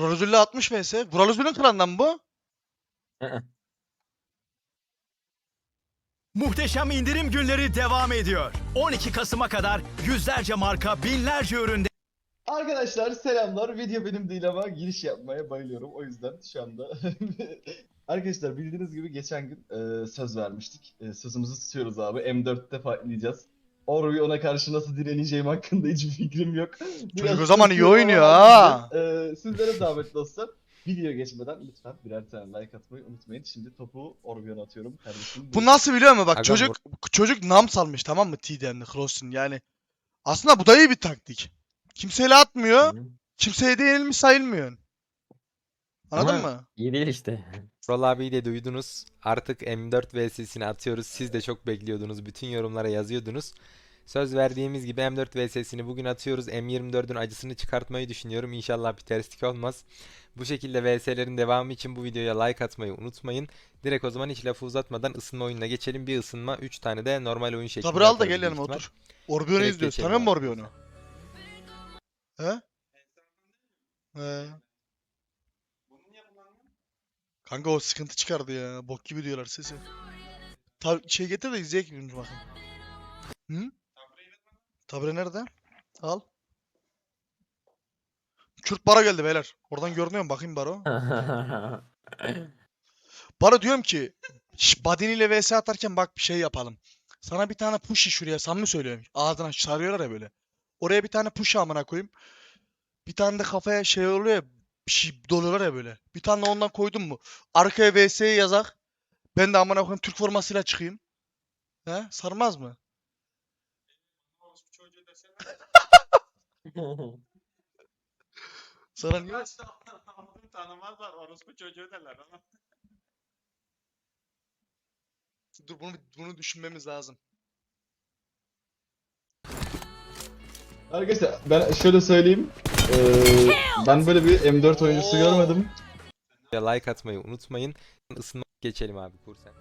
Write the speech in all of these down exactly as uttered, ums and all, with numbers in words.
Brolozül'le altmış vs. Brolozül'ün klanından mı bu? Muhteşem indirim günleri devam ediyor. on iki Kasım'a kadar yüzlerce marka, binlerce üründe Arkadaşlar selamlar. Video benim değil ama giriş yapmaya bayılıyorum. O yüzden şu anda arkadaşlar bildiğiniz gibi geçen gün e, söz vermiştik. E, sözümüzü tutuyoruz abi. M dörtte fightlayacağız. Orbion'a karşı nasıl direneceğim hakkında hiçbir fikrim yok. Çocuk o zaman iyi tırsıyorum ama oynuyor halledeceğiz. ha. E, sizlere zahmet dostlar. Video geçmeden lütfen birer tane like atmayı unutmayın. Şimdi topu Orbion'a atıyorum kardeşim. Bu nasıl biliyor musun? Bak Agam çocuk çocuk nam salmış, tamam mı, T D'n'de Cross'un yani. Aslında bu da iyi bir taktik. Kimseyle atmıyor. Kimseye de yenilmiş sayılmıyor. Anladın Ama mı? iyi değil işte. Rol abiyi de duydunuz. Artık M dört vs'sini atıyoruz. Siz de çok bekliyordunuz. Bütün yorumlara yazıyordunuz. Söz verdiğimiz gibi M dört vs'sini bugün atıyoruz. M yirmi dördün acısını çıkartmayı düşünüyorum. İnşallah bir terslik olmaz. Bu şekilde vs'lerin devamı için bu videoya like atmayı unutmayın. Direkt o zaman hiç lafı uzatmadan ısınma oyununa geçelim. Bir ısınma, üç tane de normal oyun şeklinde Sabır al da atarız gel büyük yanıma ihtimal. otur. Orbion'u Direkt izliyoruz. geçelim Tanıyor musun abi. Orbion'u? He? He. Kanka o sıkıntı çıkardı ya. Bok gibi diyorlar sesi. Ta şey getir de izleyek bir bakın. Hı? Tabre nerede? Al. Kürt Baro geldi beyler. Oradan görünüyor mu? Bakayım Baro. Baro diyorum ki şş, Badin ile vs atarken bak bir şey yapalım. Sana bir tane push şuraya, samimi söylüyorum. Ağzına sarıyorlar ya böyle. Oraya bir tane push amına koyayım. Bir tane de kafaya şey oluyor ya, bir şey doluyorlar ya böyle. Bir tane de ondan koydum mu? Arkaya vs'yi yazak. Ben de amına koyayım Türk formasıyla çıkayım. He? Sarmaz mı? Sana niye? Tanımazlar, orospu çocuğu derler ama. Dur bunu bunu düşünmemiz lazım. Arkadaşlar ben şöyle söyleyeyim. E, ben böyle bir M dört oyuncusu Oo. görmedim. Like atmayı unutmayın. Isınma geçelim abi kursen.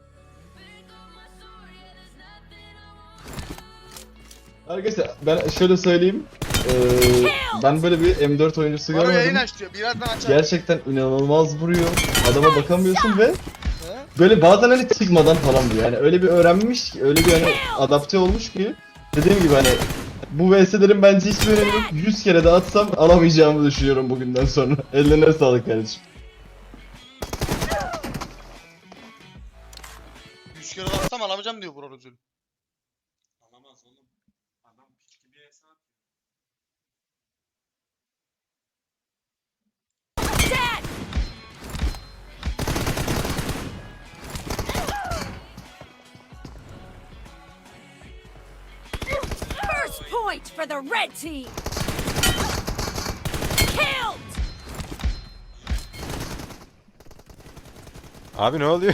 Arkadaşlar ben şöyle söyleyeyim. Ee, ben böyle bir M dört oyuncusu Baro yayın görmedim. aç diyor. Birazdan açar. Gerçekten inanılmaz vuruyor. Adama bakamıyorsun ve He? böyle bazen hani çıkmadan falan vuruyor. Yani öyle bir öğrenmiş ki, öyle bir hani adapte olmuş ki. Dediğim gibi hani bu V S'lerin bence hiçbir önemi yok. yüz kere de atsam alamayacağımı düşünüyorum bugünden sonra. Ellerine sağlık kardeşim. yüz kere atsam alamayacağım diyor Bro Özül. Alamaz oğlum. Adam piç gibi hesap. First point for the red team. Killed. Abi ne oluyor?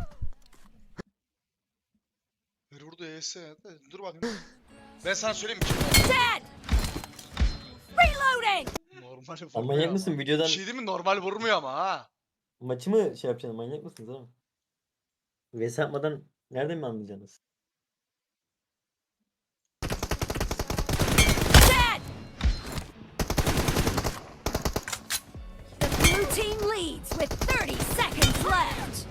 Ver vurdu E S. Dur bakayım. Ben sana söyleyeyim mi? Dead. Reloading. Normal vurmuyor Ama manyak ama. mısın Bir videodan şey değil mi? Normal vurmuyor ama ha. maçı mı şey yapacaksın, manyak mısınız oğlum? Vs yapmadan nereden mi anlayacaksınız? Dead. The blue team leads with thirty seconds left.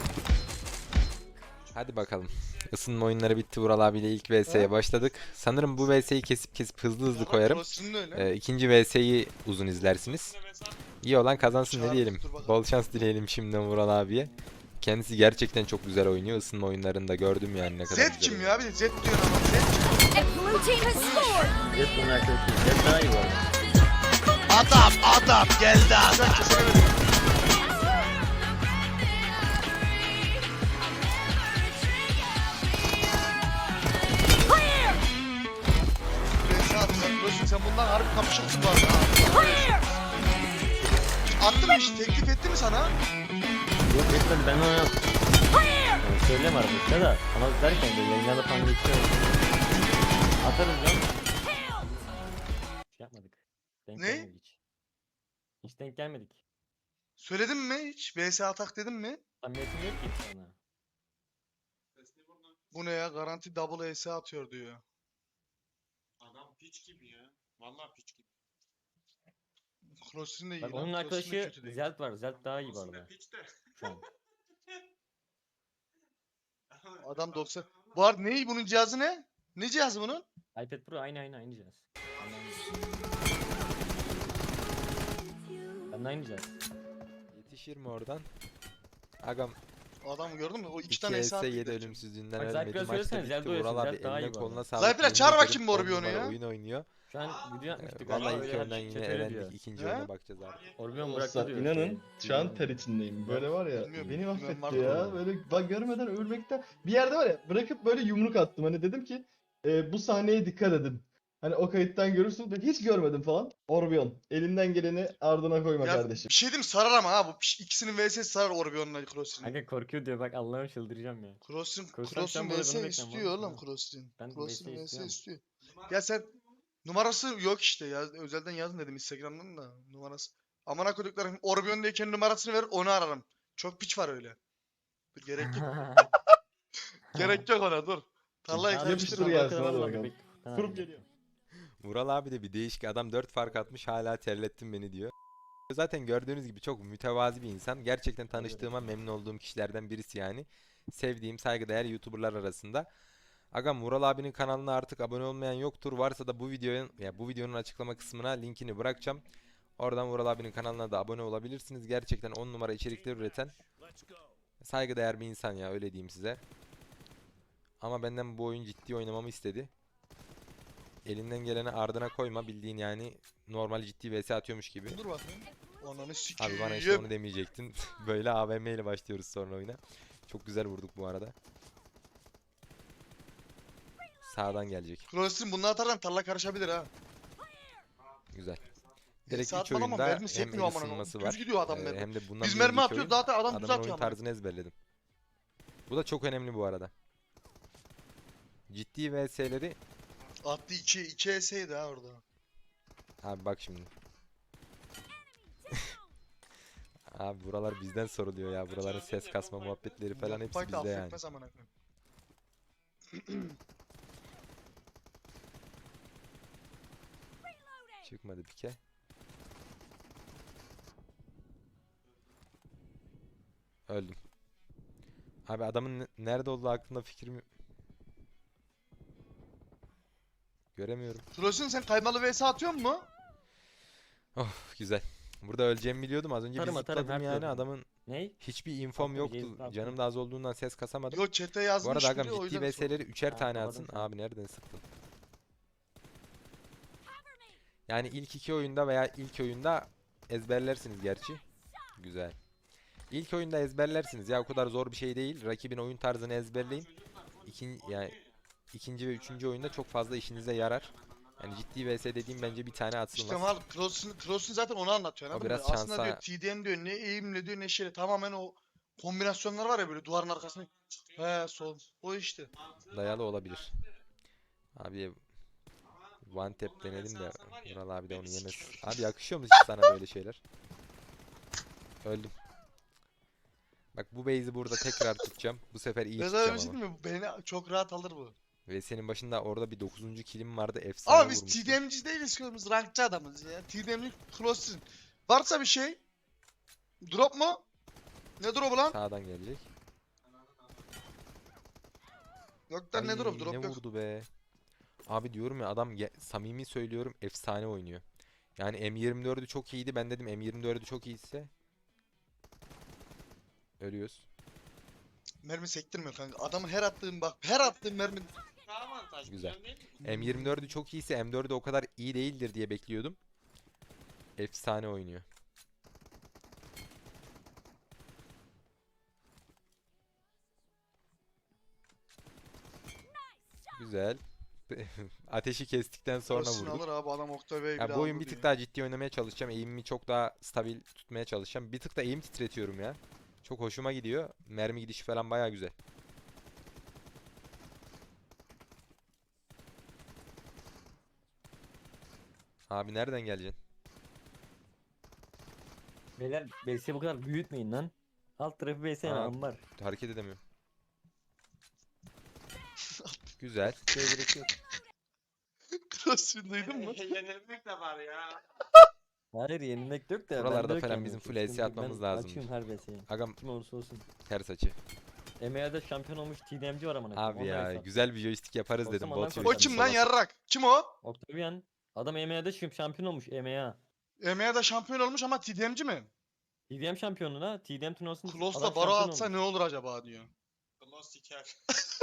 Hadi bakalım. Isınma oyunları bitti. Vural abiyle ilk V S'ye başladık. Sanırım bu V S'yi kesip kesip hızlı hızlı koyarım. Burasının öyle. Ee, ikinci V S'yi uzun izlersiniz. İyi olan kazansın ne Çağır, diyelim. dur bakalım. Bol şans dileyelim şimdiden Vural abiye. Kendisi gerçekten çok güzel oynuyor. Isınma oyunlarında gördüm yani ne kadar Z güzel kim oynuyor. ya? Bir de Z diyor ama Z kim? The blue team has scored. Jet bunun arkadaşı. Jet daha iyi bu arada. Adam adam geldi adam. Kesemedim. Clear. V S atacak. Biliyorsun sen bundan harbi kapışırsın bu arada. Clear. Attı mı hiç? Teklif etti mi sana? Yok etmedi, ben ona Clear. yani söyleme arkadaşlar da ama derken de yayınlarda falan geçiyor. Atarız lan. Şey yapmadık. Denk Ne? gelmedik hiç. Hiç denk gelmedik. Söyledin mi hiç? V S atak dedim mi? Samimiyetim yok ki sana. Bu ne ya? Garanti double E S atıyor diyor. Adam piç gibi ya. Vallahi piç gibi. Cross'un da iyi Bak lan. onun Cross'un da arkadaşı kötü değil. Zelt var. Zelt daha iyi bu Olsun arada. hep hiç de. Şu an. Adam doksan. Bu arada ne? Bunun cihazı ne? Ne cihazı bunun? iPad Pro aynı aynı aynı cihaz. Ben de aynı cihaz. Yetişir mi oradan? Agam Adamı gördün mü? O iki iki tane S hesap yedi ölümsüzlüğünden Bak, ölmedi. Zaypir'e Maç da söylesene, bitti. Zelda Vural oynuyorsun. abi Zelt daha iyi eline bu koluna arada. sağlık. Zaypir'e Yemin çağır ederim bakayım on Morbiion'u numara ya. oyun oynuyor. Şu an video yapmıştık. Ee, galiba, Vallahi ilk öyle oyundan chat yine öyle elendik. diyor. İkinci He? oyuna bakacağız abi. Orbion bıraktı Dostlar diyor. inanın şu an Bilmiyorum. ter içindeyim. Böyle var ya Bilmiyorum, beni bilmem mahvetti var ya. mı? Böyle bak görmeden ölmekten. Bir yerde var ya bırakıp böyle yumruk attım. Hani dedim ki e, bu sahneye dikkat edin. Hani o kayıttan görürsün. Ben hiç görmedim falan. Orbion. Elinden geleni ardına koyma Ya kardeşim. bir şey diyeyim mi? Sarar ama ha bu piş- ikisinin V S'si sarar Orbion'la Cross'un. Kanka korkuyor diyor bak Allah'ım çıldıracağım ya. Cross'un Cross'tan Cross'un sen bana V S bunu bekle, istiyor bana oğlum bunu. Cross'un. Ben Cross'un V S V S istiyorum. istiyor. Ya sen numarası yok işte ya. Özelden yazın dedim Instagram'dan da numarası. Amına koyduklarım Orbion'dayken numarasını verir onu ararım. Çok piç var öyle. Dur, gerek yok. Gerek yok ona dur. Tarlayı Abi, Yapıştır karıştırma. gelsin, bakalım, hadi hadi bakalım. bek- Tamam. Kurup geliyor. Vural abi de bir değişik adam, dört fark atmış, hala terlettin beni diyor. Zaten gördüğünüz gibi çok mütevazi bir insan. Gerçekten tanıştığıma memnun olduğum kişilerden birisi yani. Sevdiğim, saygıdeğer YouTuber'lar arasında. Agam, Vural abinin kanalına artık abone olmayan yoktur. Varsa da bu videonun ya bu videonun açıklama kısmına linkini bırakacağım. Oradan Vural abinin kanalına da abone olabilirsiniz. Gerçekten on numara içerikler üreten saygıdeğer bir insan ya, öyle diyeyim size. Ama benden bu oyun ciddi oynamamı istedi. Elinden geleni ardına koyma, bildiğin yani normal ciddi V S atıyormuş gibi. Dur bakayım. Ananı sikeyim. Abi bana işte onu demeyecektin. Böyle A V M ile başlıyoruz sonra oyuna. Çok güzel vurduk bu arada. Sağdan gelecek. Cross'un bunu atarsan tarla karışabilir ha. Güzel. Direkt Saat üç falan ama oyunda mermi hem sekmiyor el amına koyayım. ısınması Düz var. gidiyor adam Ee, mermi. hem de bundan Biz bir mermi önceki atıyoruz oyun, zaten adam düz adamın atıyor oyun amına. tarzını ezberledim. Bu da çok önemli bu arada. Ciddi V S'leri Attı iki iki S'ydi ha orada. abi bak şimdi. Abi buralar bizden soruluyor ya. Buraların ses kasma muhabbetleri falan hepsi Yapmak da bizde yani. affetmez amına koyayım. Çıkmadı pike. Öldüm. Abi adamın ne- nerede olduğu hakkında fikrim yok. Göremiyorum. Cross'un sen kaymalı V S atıyor mu? Of, güzel. Burada öleceğimi biliyordum. Az önce bir Atarım, atarım, zıpladım her yani. türlü. Adamın Ney? hiçbir infom Tabii, yoktu. James Bond. Canım da az olduğundan ses kasamadım. Yo chat'e Bu yazmış arada agam biri, o ciddi yüzden sordum. V S'leri üçer Ha, tane kapadım atsın. şu an. Abi nereden sıktın? Yani ilk iki oyunda veya ilk oyunda ezberlersiniz gerçi. Güzel. İlk oyunda ezberlersiniz ya, o kadar zor bir şey değil. Rakibin oyun tarzını ezberleyin. İkin, yani ikinci ve üçüncü oyunda çok fazla işinize yarar. Yani ciddi V S dediğim bence bir tane İşte atılmaz. mal Cross'un Cross'un zaten onu anlatıyor O anladın biraz mı? Aslında şansa- diyor T D M diyor ne eğimle diyor ne şeyle tamamen o kombinasyonlar var ya böyle duvarın arkasında. He sol. O işte. Dayalı olabilir. Abi one tap denedim de Vural abi de onu yemez. Abi yakışıyor mu hiç sana böyle şeyler? Öldüm. Bak bu base'i burada tekrar tutacağım. Bu sefer iyi Reza tutacağım bir şey ama. değil mi? Beni çok rahat alır bu. Ve senin başında orada bir dokuzuncu kilim vardı, efsane Ama biz vurmuştun. T D M'ci değiliz ki biz rankçı adamız ya. T D M'lik Cross'un. Varsa bir şey. Drop mu? Ne drop'u lan? Sağdan gelecek. Yok lan ne Ay, drop? Drop ne yok. vurdu be. Abi diyorum ya, adam ge- samimi söylüyorum efsane oynuyor. Yani M yirmi dördü çok iyiydi. Ben dedim M yirmi dördü çok iyiyse. Ölüyoruz. Mermi sektirmiyor kanka. Adamın her attığım bak her attığım mermi. Daha avantajlı. Güzel. değil mi? M yirmi dördü çok iyiyse M dördü o kadar iyi değildir diye bekliyordum. Efsane oynuyor. Güzel. Ateşi kestikten sonra Cross'un vurduk. alır abi adam Oktay Bey Ya bile bu oyun aldı bir tık diye. daha ciddi oynamaya çalışacağım. Eğimimi çok daha stabil tutmaya çalışacağım. Bir tık da eğim titretiyorum ya. Çok hoşuma gidiyor. Mermi gidişi falan baya güzel. Abi nereden geleceksin? Beyler B S'yi bu kadar büyütmeyin lan. Alt tarafı B S yani Aa. ambar. Hareket edemiyorum. Güzel. Şey gerek yok. Cross'un duydun mu? Yenilmek de var ya. Hayır yenilmek yok da. Buralarda bende yok falan yani. bizim full Sıkıntı V S yok. atmamız Ben lazım. Açıyorum her V S'yi. Agam Kim olursa olsun. ters açı. M M A'da şampiyon olmuş T D M'ci var amına koyayım. Abi onunla ya hesap. güzel bir joystick yaparız Olsa dedim. ondan Bot korkarım. O joystick kim lan sola- yarrak? Kim o? Octavian. Adam M M A'da şim- şampiyon olmuş M M A. E M A'da şampiyon olmuş ama T D M'ci mi? T D M şampiyonluğuna T D M turnuvasında Klos'la adam baro şampiyon atsa olmuş. ne olur acaba diyor. Klos siker.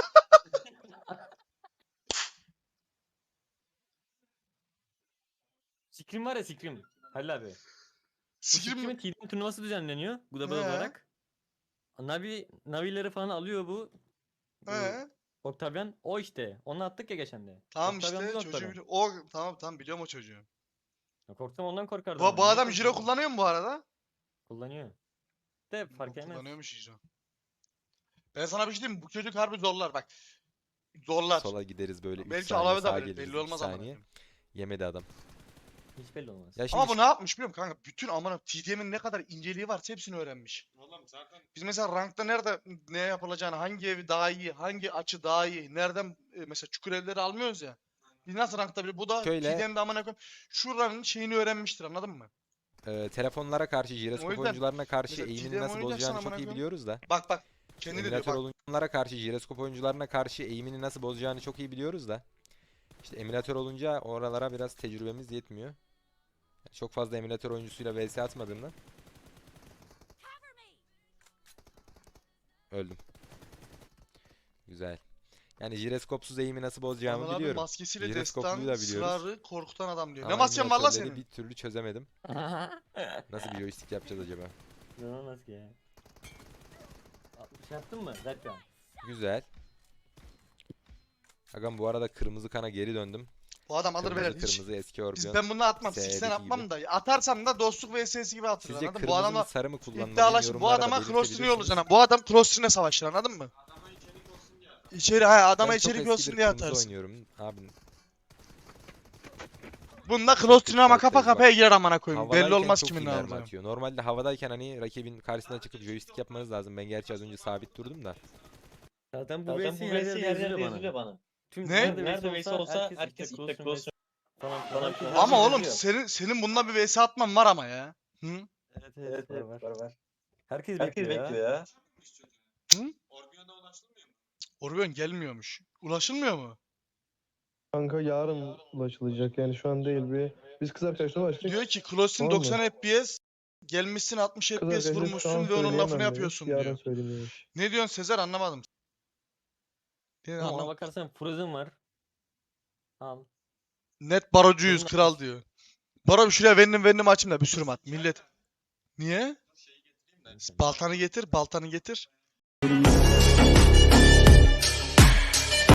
Scream var ya Scream. Halil abi. Bu Sikrim Scream'in T D M turnuvası düzenleniyor. Global He. olarak. Navi, Navileri falan alıyor bu. bu He. Octavian. O işte. Onu attık ya geçen de. Tamam Octavian işte bu çocuğu noktada. biliyor. O tamam tamam biliyorum o çocuğu. Ya korksam ondan korkardım. Bu, ben. bu Niye adam jiro korkuyorum? kullanıyor mu bu arada? Kullanıyor. De fark Bu etmez. Kullanıyormuş jiro. Ben sana bir şey diyeyim mi? Bu çocuk harbi zorlar bak. Zorlar. Sola gideriz böyle üç Belki saniye alave sağa da verir. geliriz Belli iki olmaz ama. saniye. Yemedi adam. Hiç belli olmaz. Ya şimdi Ama bu ne yapmış biliyor musun kanka? Bütün amına T D M'in ne kadar inceliği varsa hepsini öğrenmiş. Oğlum zaten Biz mesela rankta nerede ne yapılacağını, hangi evi daha iyi, hangi açı daha iyi, nereden e, mesela çukur evleri almıyoruz ya. Biz nasıl rankta bile bu da Şöyle- T D M'de amına koyayım. Şuranın şeyini öğrenmiştir anladın mı? e, telefonlara karşı, jiroskop yüzden oyuncularına karşı mesela eğimini T D M nasıl oynayacaksan bozacağını amına çok iyi koyayım. biliyoruz da. Bak bak. Kendi de diyor Emülatör bak. oyunculara karşı, jiroskop oyuncularına karşı eğimini nasıl bozacağını çok iyi biliyoruz da. İşte emülatör olunca oralara biraz tecrübemiz yetmiyor. Çok fazla emülatör oyuncusuyla V S atmadığımdan Cover me. öldüm. Güzel. Yani jiroskopsuz eğimi nasıl bozacağımı Anıl abi biliyorum. maskesiyle Jiroskopluyu destan da biliyoruz. sırarı korkutan adam diyor. Ama Ne masken var lan emülatörleri senin? bir türlü çözemedim. Nasıl bir joystick yapacağız acaba? İnanılmaz ki ya. Şey yaptın mı? Zerkan. Güzel. Agam bu arada kırmızı kana geri döndüm. Bu adam alır Kırmızı verir hiç. kırmızı eski Biz Orbion. ben bunu atmam. S'deki Siksen atmam gibi. da. Atarsam da dostluk V S'si gibi atarız Sizce anladın mı? Bu kırmızı mı adamla sarı mı kullanmalıyım? iddialaşın. Bu Yorumlarda adama cross'unu belirtebilirsiniz. yollayacaksın. Bu adam cross'une savaşır anladın mı? adama içerik olsun diye adam. İçeri ha adama Ben çok içerik eskidir olsun diye kırmızı atarsın. oynuyorum abi. Bunda cross'une ama kafa farklıyız bak. kafaya girer amına koyayım. Belli Havadayken olmaz çok kimin iyi ne mermi alacağı. atıyor. Normalde havadayken hani rakibin karşısına çıkıp joystick yapmanız lazım. Ben gerçi az önce sabit durdum da. Zaten bu Zaten V S bu her V S yerde her yerde yazılıyor yazılıyor bana. bana. Tüm Ne? nerede, Nerede V S V S olsa herkes, herkes işte işte cross'un cross falan falan filan. filan. Ama oğlum yazıyor. senin senin bununla bir V S atman var ama ya. Hı? Evet Evet evet, evet var, var. var var. Herkes, Herkes bekliyor, bekliyor ya. ya. Çıkmış çocuğa. Hı? Orbion'a ulaşılmıyor mu? Orbion gelmiyormuş. Ulaşılmıyor mu? Kanka yarın ulaşılacak yani şu an değil bir. Biz kız arkadaşla ulaştık. Diyor ki Klosin Tamam mı? doksan F P S gelmişsin altmış Kız F P S arkadaşla şu an vurmuşsun ve onun söyleyemem lafını demiş, yapıyorsun yarın diyor. söyleyeyim demiş. Ne diyorsun Sezer anlamadım. Ne Ama ona anlam- bakarsan Frozen var. Al. Net barocuyuz Bunun- kral diyor. Baro şuraya vendim vendim açayım da bir sürü mat. Millet. Niye? Şeyi getireyim de. Baltanı getir, baltanı getir.